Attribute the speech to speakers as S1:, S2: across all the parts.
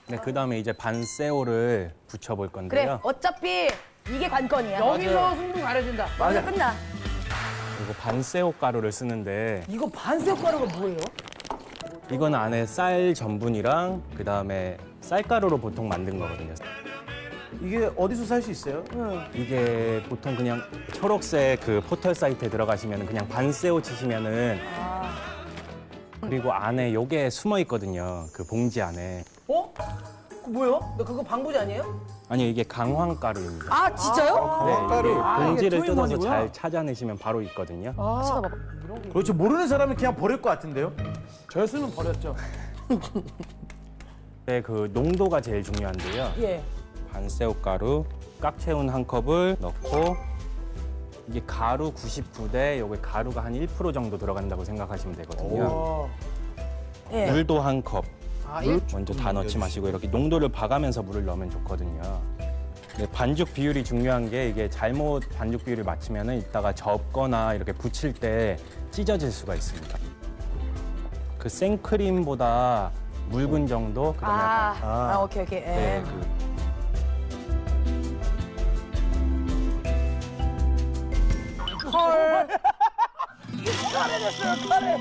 S1: 네, 그다음에 이제 반새우를 붙여볼
S2: 그래,
S1: 건데요.
S2: 어차피 이게 관건이야.
S3: 여기서 승부 가려진다.
S2: 맞아, 끝나.
S1: 그리고 반새우 가루를 쓰는데
S3: 이거 반새우 가루가 뭐예요?
S1: 이건 안에 쌀 전분이랑 그다음에 쌀가루로 보통 만든 거거든요.
S4: 이게 어디서 살 수 있어요?
S1: 이게 보통 그냥 초록색 그 포털 사이트에 들어가시면 그냥 반새우 치시면은 그리고 안에 요게 숨어 있거든요. 그 봉지 안에.
S3: 어? 그 뭐예요? 그거 방부제 아니에요?
S1: 아니 이게 강황가루입니다.
S2: 아, 진짜요?
S1: 네,
S4: 강황가루.
S1: 이게
S4: 아,
S1: 봉지를
S4: 이게
S1: 뜯어서
S4: 투인원이구나.
S1: 잘 찾아내시면 바로 있거든요.
S2: 찾아봐봐.
S4: 그렇죠. 모르는 사람은 그냥 버릴 것 같은데요?
S3: 저였으면 버렸죠.
S1: 네, 그 농도가 제일 중요한데요.
S3: 예.
S1: 반새우 가루 깍 채운 한 컵을 넣고 이게 가루 99대 요게 가루가 한 1% 정도 들어간다고 생각하시면 되거든요.
S2: 예.
S1: 물도 한 컵.
S3: 아,
S1: 물 먼저 다 넣지 마시고 이렇게 농도를 봐가면서 물을 넣으면 좋거든요. 네, 반죽 비율이 중요한 게 이게 잘못 반죽 비율을 맞추면은 이따가 접거나 이렇게 붙일 때 찢어질 수가 있습니다. 그 생크림보다 묽은 정도 그다음에 약간
S2: 오케이, 오케이. 예.
S1: 네, 그
S3: 헐. 카레 됐어요, 카레.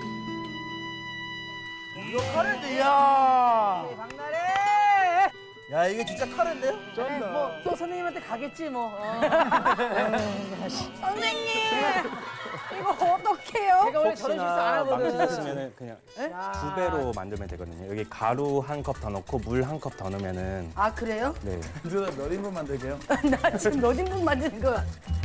S3: 이거 카레인데, 이야. 박나래.
S4: 야, 이게 진짜 카레인데요?
S3: 또 선생님한테 가겠지, 뭐.
S2: 선생님! 이거 어떡해요?
S3: 제가 원래 저런 실수 안 하거든.
S1: 망치셨으면은 그냥 2배로 만들면 되거든요. 여기 가루 한 컵 더 넣고 물 한 컵 더 넣으면은
S2: 아, 그래요?
S1: 네.
S4: 누나 몇 인분 만들게요?
S2: 나 지금 몇 인분 만드는 거야?